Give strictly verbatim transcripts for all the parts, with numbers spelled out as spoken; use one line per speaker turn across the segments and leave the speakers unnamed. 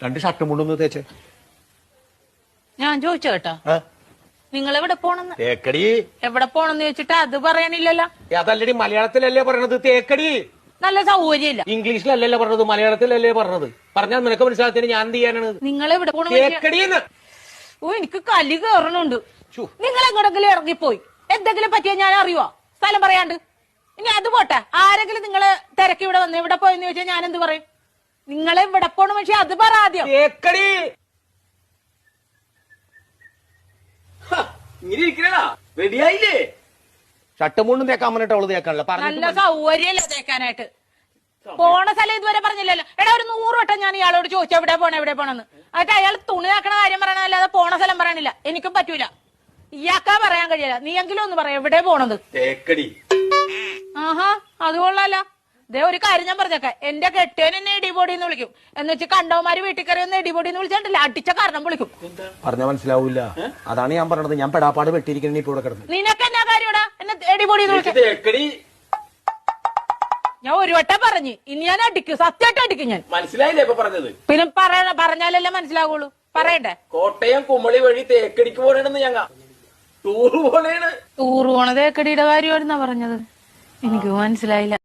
രണ്ട് ഷർട്ടും മുണ്ടൊന്ന് തേച്ചേ.
ഞാൻ ചോദിച്ചു കേട്ടോ, നിങ്ങൾ എവിടെ പോണെന്ന്?
തേക്കടി.
എവിടെ പോണെന്ന് ചോദിച്ചിട്ട് അത് പറയാനില്ലല്ലോ.
അതല്ലടി, മലയാളത്തിലല്ലേ പറയണത് തേക്കടി.
നല്ല സൗകര്യമില്ല.
ഇംഗ്ലീഷിലല്ലല്ലോ പറഞ്ഞത്, മലയാളത്തിലല്ലേ പറഞ്ഞത്. പറഞ്ഞാൽ നിനക്ക് മനസ്സിലാത്തിന് ഞാൻ എന്ത് ചെയ്യാനാണ്?
നിങ്ങൾ എവിടെ പോണ?
തേക്കടിയെന്ന്.
ഓ, എനിക്ക് കലി കയറണുണ്ട്. നിങ്ങൾ എങ്ങോട്ടെങ്കിലും ഇറങ്ങിപ്പോയി എന്തെങ്കിലും പറ്റിയാ ഞാൻ അറിയുവോ? സ്ഥലം പറയാണ്ട്. ഇനി അത് പോട്ടെ, ആരെങ്കിലും നിങ്ങള് തിരക്കി ഇവിടെ വന്ന് ഇവിടെ പോയെന്ന് ചോദിച്ചാൽ ഞാൻ എന്ത് പറയും? നിങ്ങളെ ഇവിടെ പോണ പക്ഷെ അത് പറ ആദ്യം.
തേക്കടി.
റെഡിയായില്ലേ?
ഷർട്ടും മുണ്ടും തേക്കാൻ പറഞ്ഞിട്ട് അവള് തേക്കാനല്ല.
നല്ല സൗകര്യമല്ല തേക്കാനായിട്ട്. പോണ സ്ഥലം ഇതുവരെ പറഞ്ഞില്ലല്ലോ. എടാ, ഒരു നൂറ് വട്ടം ഞാൻ ഇയാളോട് ചോദിച്ചു എവിടെ പോണ എവിടെ പോണെന്ന്. എന്നിട്ട് അയാൾ തുണി നാക്കണ കാര്യം പറയണല്ലാതെ പോണ സ്ഥലം പറയണില്ല. എനിക്കും പറ്റൂല. ഇയാൾക്കാ പറയാൻ കഴിയില്ല. നീ എങ്കിലും ഒന്ന് പറയാം എവിടെ പോണത്.
തേക്കടി.
ആഹാ, അത് കൊള്ളാലോ. ദേ ഒരു കാര്യം ഞാൻ പറഞ്ഞേക്കാം, എന്റെ കെട്ടിയൻ എന്നെ ഇടിപൊടിന്ന് വിളിക്കും. എന്ന് വെച്ച് കണ്ടവന്മാര് വീട്ടിൽ കയറി ഒന്ന് ഇടിപൊടിന്ന് വിളിച്ചിട്ടില്ല, അടിച്ച കാരണം വിളിക്കും.
പറഞ്ഞാൽ മനസ്സിലാവൂല. അതാണ് ഞാൻ പറഞ്ഞത്. ഞാൻ പെടാപ്പാട് വെട്ടിയിരിക്കണ ഇപ്പൊ ഇവിടെ കിടന്നു.
നിനക്ക് എന്നാ കാര്യടാ എന്നെ ഇടിപൊടിന്ന് വിളിക്കും? ഞാൻ ഒരു വട്ടം പറഞ്ഞു, ഇനി ഞാൻ അടിക്കും, സത്യമായിട്ട് അടിക്കും ഞാൻ.
മനസ്സിലായില്ലേ ഇപ്പൊ പറഞ്ഞത്?
പിന്നെ പറയണ പറഞ്ഞാലല്ലേ മനസ്സിലാവുള്ളൂ. പറയണ്ടേ?
കോട്ടയം കുമളി വഴി തേക്കടിക്ക് പോണേണെന്ന് ഞങ്ങ ടൂറ് പോണേണ്.
ടൂറ് പോണ തേക്കടിയുടെ കാര്യമായിരുന്നാ പറഞ്ഞത്? എനിക്ക് മനസ്സിലായില്ല.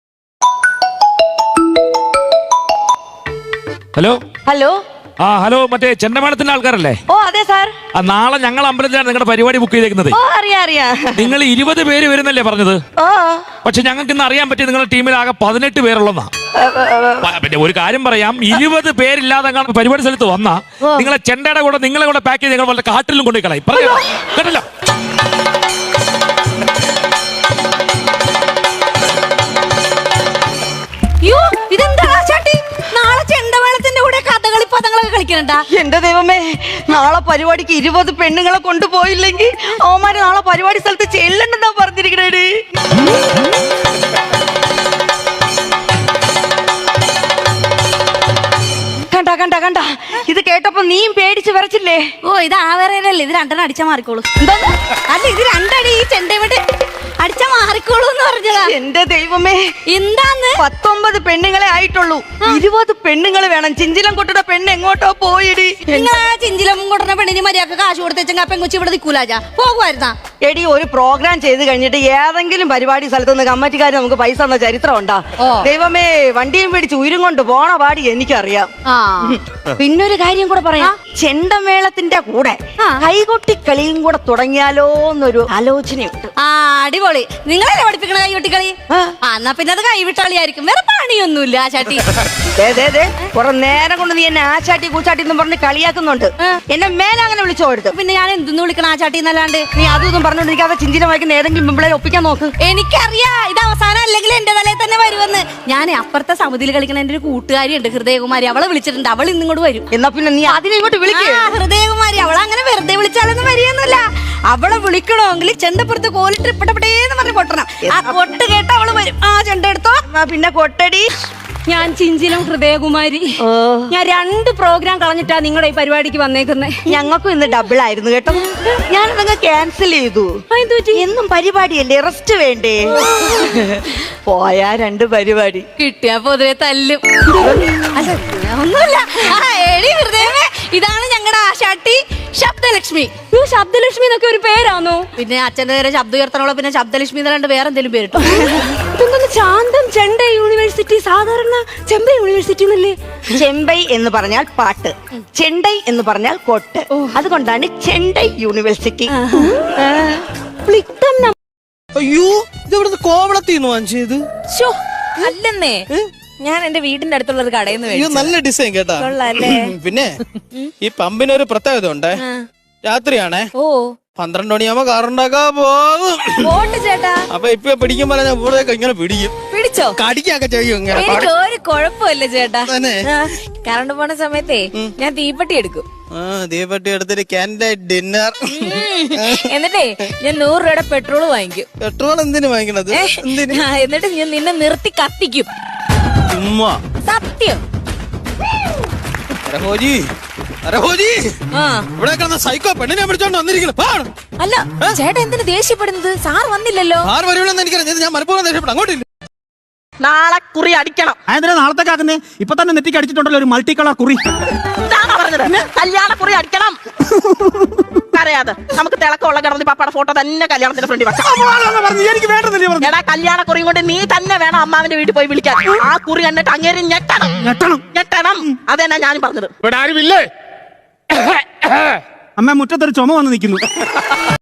ഹലോ
ഹലോ
ആ ഹലോ മറ്റേ ചെണ്ടമേളത്തിന്റെ ആൾക്കാരല്ലേ?
ഓ അതെ സാർ.
നാളെ ഞങ്ങൾ അമ്പലത്തിലാണ് നിങ്ങളുടെ പരിപാടി ബുക്ക് ചെയ്തേക്കുന്നത്.
ഓ അറിയാം അറിയാം.
നിങ്ങൾ ഇരുപത് പേര് വരുന്നല്ലേ പറഞ്ഞത്?
ഓ
പക്ഷെ ഞങ്ങൾക്ക് ഇന്ന് അറിയാൻ പറ്റി നിങ്ങളുടെ ടീമിൽ ആകെ പതിനെട്ട് പേരുള്ളതാ. പിന്നെ ഒരു കാര്യം പറയാം, ഇരുപത് പേരില്ലാതെ പരിപാടി സ്ഥലത്ത് വന്നാ നിങ്ങളെ ചെണ്ടയുടെ കൂടെ നിങ്ങളെ കൂടെ പാക്ക് ചെയ്ത് നിങ്ങൾ വളരെ കാട്ടിലും കൊണ്ടുപോയി കളയും. പറഞ്ഞോ കേട്ടല്ലോ?
എന്റെ ദൈവമേ, നാളെ പരിപാടിക്ക് ഇരുപത് പെണ്ണുങ്ങളെ കൊണ്ടുപോയില്ലെങ്കിൽ അവന്മാര് നാളെ പരിപാടി സ്ഥലത്ത് ചെല്ലണ്ടെന്നാ പറഞ്ഞിരിക്കണേ. കണ്ട കണ്ട കണ്ട ഇത് കേട്ടപ്പോ നീയും പേടിച്ച് വിറച്ചില്ലേ?
ഓ, ഇത് ആവേറല്ലേ, ഇത് രണ്ടെണ്ണം അടിച്ചാ മാറിക്കോളൂ. അല്ല, ഇത് രണ്ടടി ഈ ചെണ്ട ഇവിടെ അടിച്ചാ മാറിക്കോളൂ എന്ന് പറഞ്ഞതാ.
എന്റെ ദൈവമേ,
എന്താന്ന്?
പത്തൊമ്പത് പെണ്ണുങ്ങളെ ആയിട്ടുള്ളൂ. ഇരുപത് പെണ്ണുങ്ങള് വേണം. ചിഞ്ചിലം കൊട്ടുന്ന പെണ്ണ് എങ്ങോട്ടോ പോയിടി.
നിങ്ങൾ ആ ചിഞ്ചിലം കൊട്ടുന്ന പെണ്ണിന് മര്യാദക്ക് കാശ് കൊടുത്തേച്ചെങ്കിൽ അപ്പൊ കൊച്ചി ഇവിടെ നിൽക്കൂലാജാ പോകുമായിരുന്നാ?
എടി, ഒരു പ്രോഗ്രാം ചെയ്ത് കഴിഞ്ഞിട്ട് ഏതെങ്കിലും പരിപാടി സ്ഥലത്ത് നിന്ന് കമ്മിറ്റിക്കാർ നമുക്ക് പൈസ തന്ന ചരിത്രം ഉണ്ടാ? ദൈവമേ, വണ്ടിയും പിടിച്ച് ഉയരും കൊണ്ട് പോണ പാടി എനിക്കറിയാം.
പിന്നൊരു കാര്യം കൂടെ പറയാം,
ചെണ്ടമേളത്തിന്റെ കൂടെ കൈകൊട്ടി കളിയും കൂടെ തുടങ്ങിയാലോ എന്നൊരു ആലോചനയുണ്ട്.
ആ അടിപൊളി. നിങ്ങളല്ലേ പഠിപ്പിക്കണ കൈകൊട്ടിക്കളി? എന്നാ പിന്നെ അത് കൈവിട്ടാളിയായിരിക്കും, വേറെ പണിയൊന്നുമില്ല. ആ ചാട്ടി
കുറെ നേരം കൊണ്ട് നീ എന്നെ ആ ചാട്ടി കൂച്ചാട്ടി എന്ന് പറഞ്ഞ് കളിയാക്കുന്നുണ്ട്. എന്നെ മേലെ അങ്ങനെ വിളിച്ചോ എടുത്ത്.
പിന്നെ ഞാൻ എന്തെന്ന് വിളിക്കണം ആ ചാട്ടി എന്നല്ലാണ്ട്?
നീ അതും പറഞ്ഞോണ്ടിരിക്കാതെ ചിഞ്ചിനെ വായിക്കുന്ന ഏതെങ്കിലും പിമ്പിളെ ഒപ്പിക്കാൻ നോക്ക്.
എനിക്കറിയാ ഇത് അവസാനം അല്ലെങ്കിൽ എന്റെ തലയിൽ തന്നെ വരുമെന്ന്. ഞാൻ അപ്പുറത്തെ സമിതിയിൽ കളിക്കണ എന്റെ ഒരു കൂട്ടുകാരിയുണ്ട് ഹൃദയകുമാരി, അവളെ വിളിച്ചിട്ടുണ്ട്. അവൾ ഇന്നിങ്ങോട്ട് വരും.
എന്നാ പിന്നെ നീ അതിനെ ഇങ്ങോട്ട് വിളിക്കുക.
ഹൃദയകുമാരി അവളങ്ങനെ വെറുതെ വിളിച്ചാലൊന്നും വരികയൊന്നുമില്ല. അവളെ വിളിക്കണമെങ്കിൽ ചെണ്ടപ്പുറത്ത് കോലിട്ട് ഇപ്പടപെടേന്ന് പറഞ്ഞ് കൊട്ടണം. ആ കൊട്ട് കേട്ട അവള് വരും. ആ ചെണ്ട എടുത്തോ.
പിന്നെ കൊട്ടടി.
ഞാൻ ചിഞ്ചിലം ഹൃദയകുമാരി. ഞാൻ രണ്ട് പ്രോഗ്രാം കളഞ്ഞിട്ടാ നിങ്ങളുടെ ഈ പരിപാടിക്ക് വന്നേക്കുന്നേ.
ഞങ്ങൾക്കും ഇന്ന് ഡബിൾ ആയിരുന്നു കേട്ടോ. ഞാൻ നിങ്ങൾ ക്യാൻസൽ ചെയ്തു. എന്നും പരിപാടിയല്ലേ, റെസ്റ്റ് വേണ്ടേ? പോയാ രണ്ട് പരിപാടി
കിട്ടിയാ പൊതുവെ തല്ലും. ഒന്നുമില്ല. ഹൃദയമേ, ഇതാണ് ഞങ്ങളുടെ ആശാട്ടി ശബ്ദലക്ഷ്മി. ശബ്ദലക്ഷ്മി എന്നൊക്കെ ഒരു പേരാണോ? പിന്നെ അച്ഛന്റെ നേരെ ശബ്ദം ഉയർത്തണോളൂ, പിന്നെ ശബ്ദലക്ഷ്മി എന്നല്ലാണ്ട് വേറെ എന്തെങ്കിലും പേരിട്ടോ? ശാന്തം ചെണ്ട യൂണിവേഴ്സിറ്റി, സാധാരണ ചെമ്പൈ യൂണിവേഴ്സിറ്റി എന്നല്ലേ?
ചെമ്പൈ എന്ന് പറഞ്ഞാൽ പാട്ട്, ചെണ്ടൈ എന്ന് പറഞ്ഞാൽ കൊട്ട്. അതുകൊണ്ടാണ് ചെണ്ടൈ യൂണിവേഴ്സിറ്റി.
അയ്യോ, ഇതെവിടുന്ന് കോവളത്തിന്ന് വാങ്ങിച്ചത്?
അല്ലെന്നേ, ഞാൻ എന്റെ വീടിന്റെ അടുത്തുള്ള ഒരു കടയിൽ നിന്ന്.
അയ്യോ, നല്ല ഡിസൈൻ കേട്ടാ. പിന്നെ ഈ പമ്പിനൊരു പ്രത്യേകത ഉണ്ട്. രാത്രിയാണേ, ഓ പന്ത്രണ്ട് മണിയാകുമ്പോ കാറുണ്ടാക്കാ പോകും.
ചേട്ടാ,
അപ്പൊ ഇപ്പൊ പിടിക്കുമ്പോ ഞാൻ ഇവിടേക്ക് ഇങ്ങനെ പിടിക്കും.
പിടിച്ചോ?
കടിക്കൊക്കെ ചെയ്യും.
ഒരു കുഴപ്പമില്ല ചേട്ടാ. കറണ്ട് പോണ സമയത്തേ ഞാൻ തീപ്പെട്ടി എടുക്കും.
ആ തീപ്പെട്ടി എടുത്തിട്ട് ക്യാൻഡൽ ഡിന്നർ.
എന്നിട്ടേ ഞാൻ നൂറ് രൂപയുടെ പെട്രോൾ വാങ്ങിക്കും.
പെട്രോൾ എന്തിനു വാങ്ങിക്കണത്?
എന്നിട്ട് ഞാൻ നിന്നെ നിർത്തി കത്തിക്കും.
ചുമ്മാ
സത്യം.
ഇവിടെ കിടന്ന സൈക്കോ പെണ്ണിനെ പിടിച്ചോണ്ട് വന്നിരിക്കുന്നു.
അല്ല ചേട്ടാ, എന്തിനു ദേഷ്യപ്പെടുന്നത്? സാർ വന്നില്ലല്ലോ.
സാർ വരുമെന്ന് എനിക്കറിയാം. ഞാൻ മനഃപൂർവ്വം ദേഷ്യപ്പെട്ടു. അങ്ങോട്ടില്ല.
നാളെ കുറി അടിക്കണം.
അതെന്തിനാ നാളത്തേക്ക് ആക്കുന്നേ? ഇപ്പൊ തന്നെ നെറ്റിക്ക് അടിച്ചിട്ടുണ്ടല്ലോ ഒരു മൾട്ടി കളർ കുറി.
ഇതാണോ പറഞ്ഞത്? കല്യാണ കുറി അടിക്കണം. അറിയാതെ നമുക്ക് തിളക്കമുള്ള ഗണപതി പാപ്പയുടെ ഫോട്ടോ തന്നെ കല്യാണത്തിന്റെ ഫ്രണ്ടിൽ വെക്കാം.
എനിക്ക് വേണ്ടതല്ലേ?
എടാ കല്യാണ കുറിയും കൊണ്ട് നീ തന്നെ വേണം അമ്മാവിന്റെ വീട്ടിൽ പോയി വിളിക്കാൻ. ആ കുറി കണ്ടിട്ട് അങ്ങേര് ഞെട്ടണം
ഞെട്ടണം
ഞെട്ടണം. അതെന്നാ ഞാനും പറഞ്ഞത്.
ഇവിടെ ആരുമില്ലേ? അമ്മ മുറ്റത്തൊരു ചുമ വന്ന് നിൽക്കുന്നു.